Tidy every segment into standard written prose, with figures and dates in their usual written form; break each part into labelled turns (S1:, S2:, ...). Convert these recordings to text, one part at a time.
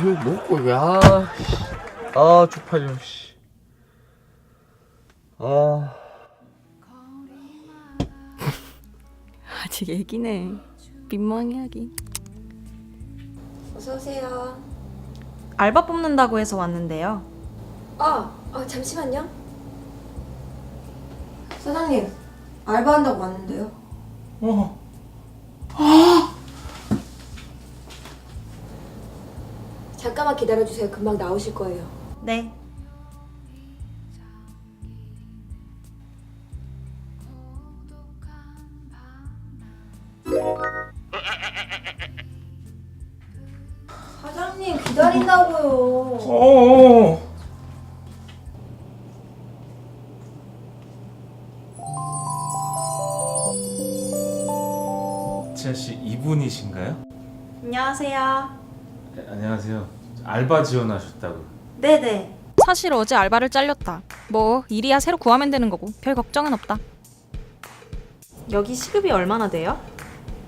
S1: 욕 먹고 이게 쪽팔려 씨.
S2: 아직 애기네. 민망해 하긴.
S3: 어서 오세요.
S2: 알바 뽑는다고 해서 왔는데요.
S3: 잠시만요. 사장님, 알바한다고 왔는데요. 잠깐만 기다려주세요. 금방 나오실 거예요.
S2: 네.
S3: 사장님 기다린다고요.
S4: 지아 씨 이분이신가요?
S2: 안녕하세요.
S4: 네, 안녕하세요. 알바 지원하셨다고.
S2: 네네. 사실 어제 알바를 잘렸다. 뭐 일이야 새로 구하면 되는 거고 별 걱정은 없다. 여기 시급이 얼마나 돼요?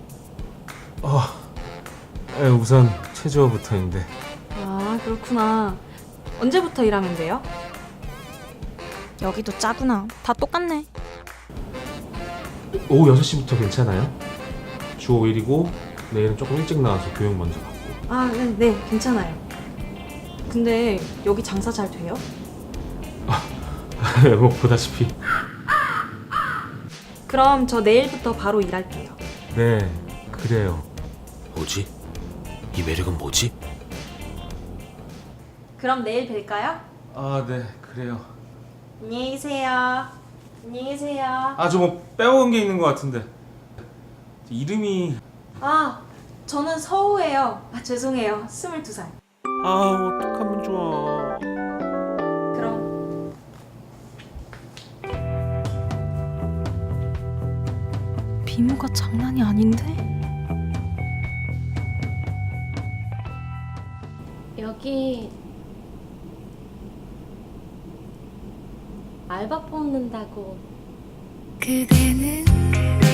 S4: 우선 최저부터인데.
S2: 아 그렇구나. 언제부터 일하면 돼요? 여기도 짜구나. 다 똑같네.
S4: 오후 6시부터 괜찮아요? 주 5일이고 내일은 조금 일찍 나와서 교육 먼저 받고.
S2: 아, 네, 괜찮아요. 근데 여기 장사 잘 돼요?
S4: 뭐 보다시피.
S2: 그럼 저 내일부터 바로 일할게요.
S4: 네, 그래요.
S1: 뭐지? 이 매력은 뭐지?
S2: 그럼 내일 뵐까요?
S4: 네, 그래요.
S2: 안녕히 계세요. 안녕히 계세요.
S4: 저 뭐 빼먹은 게 있는 것 같은데. 이름이.
S2: 저는 서우예요. 죄송해요. 22살.
S1: 어떡하면 좋아.
S2: 그럼. 미모가 장난이 아닌데?
S5: 여기 알바 뽑는다고.
S6: 그대는